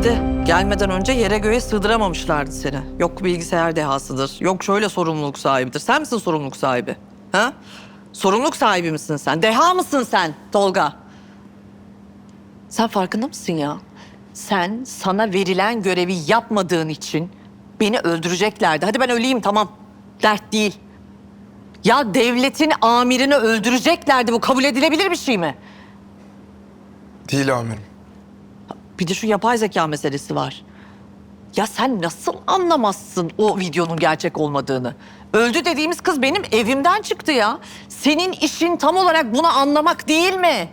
Belli. Gelmeden önce yere göğe sığdıramamışlardı seni. Yok bilgisayar dehasıdır, yok şöyle sorumluluk sahibidir. Sen misin sorumluluk sahibi? Ha? Sorumluluk sahibi misin sen? Deha mısın sen Tolga? Sen farkında mısın ya? Sen sana verilen görevi yapmadığın için beni öldüreceklerdi. Hadi ben öleyim tamam. Dert değil. Ya devletin amirini öldüreceklerdi. Bu kabul edilebilir bir şey mi? Değil amirim. Bir de şu yapay zeka meselesi var. Ya sen nasıl anlamazsın o videonun gerçek olmadığını? Öldü dediğimiz kız benim evimden çıktı ya. Senin işin tam olarak bunu anlamak değil mi?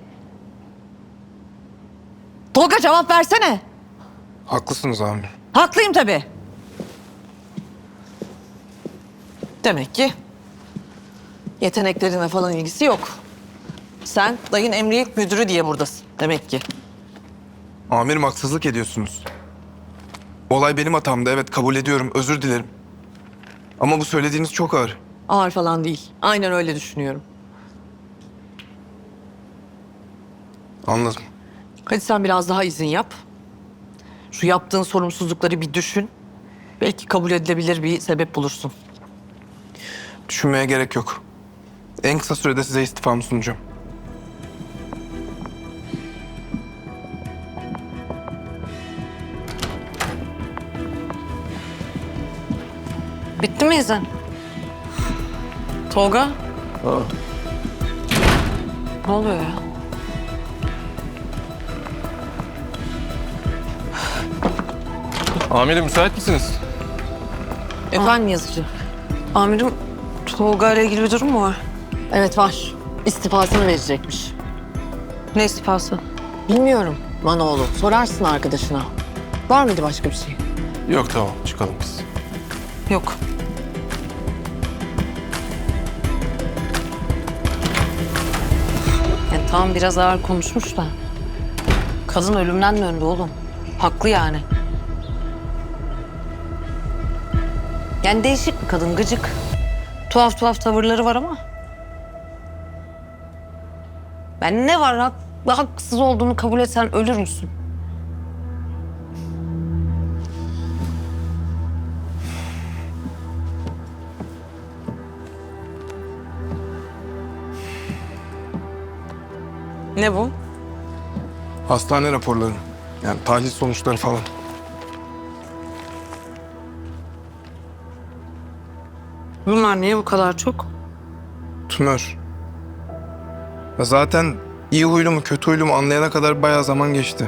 Tolga cevap versene. Haklısınız amirim. Haklıyım tabii. Demek ki yeteneklerine falan ilgisi yok. Sen dayın emniyet müdürü diye buradasın demek ki. Amirim haksızlık ediyorsunuz. Olay benim hatamdı, evet kabul ediyorum, özür dilerim. Ama bu söylediğiniz çok ağır. Ağır falan değil. Aynen öyle düşünüyorum. Anladım. Hadi sen biraz daha izin yap. Şu yaptığın sorumsuzlukları bir düşün. Belki kabul edilebilir bir sebep bulursun. Düşünmeye gerek yok. En kısa sürede size istifamı sunacağım. Bitti mi izin? Tolga? Ne oluyor ya? Amirim müsait misiniz? Efendim yazıcı. Amirim, Tolga ile ilgili bir durum mu var? Evet var. İstifasını verecekmiş. Ne istifası? Bilmiyorum Manoğlu. Sorarsın arkadaşına. Var mıydı başka bir şey? Yok tamam çıkalım biz. Yok. Yani tamam biraz ağır konuşmuş da. Kadın ölümden döndü oğlum. Haklı yani. Yani değişik bir kadın, gıcık. Tuhaf tuhaf tavırları var ama. Ben ne var haksız olduğunu kabul etsen ölür müsün? Ne bu? Hastane raporları. Yani tahlil sonuçları falan. Bunlar niye bu kadar çok? Tümör. Ya zaten iyi huylu mu kötü huylu mu anlayana kadar bayağı zaman geçti.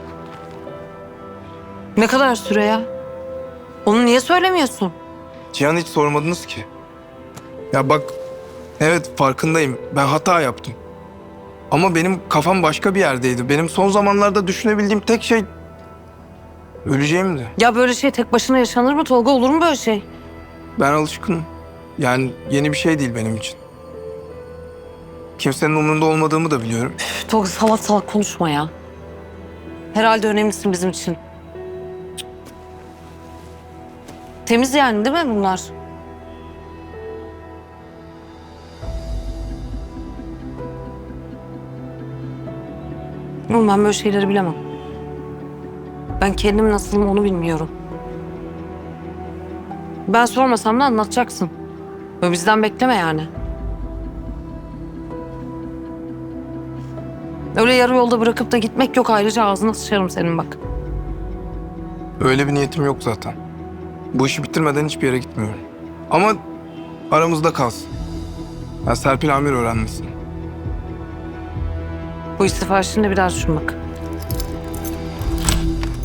Ne kadar süre ya? Onu niye söylemiyorsun? Cihan hiç sormadınız ki. Ya bak, evet farkındayım. Ben hata yaptım. Ama benim kafam başka bir yerdeydi. Benim son zamanlarda düşünebildiğim tek şey öleceğimdi. Ya böyle şey tek başına yaşanır mı Tolga? Olur mu böyle şey? Ben alışkınım. Yani yeni bir şey değil benim için. Kimsenin umurunda olmadığımı da biliyorum. Üf, Tolga salak salak konuşma ya. Herhalde önemlisin bizim için. Temiz yani değil mi bunlar? Oğlum ben böyle şeyleri bilemem. Ben kendim nasılım onu bilmiyorum. Ben sormasam da anlatacaksın. Böyle bizden bekleme yani. Öyle yarı yolda bırakıp da gitmek yok. Ayrıca ağzına sıçarım senin bak. Öyle bir niyetim yok zaten. Bu işi bitirmeden hiçbir yere gitmiyorum. Ama aramızda kalsın. Ya Serpil amir öğrenmesin. Bu istifa işini de bir daha düşün bak.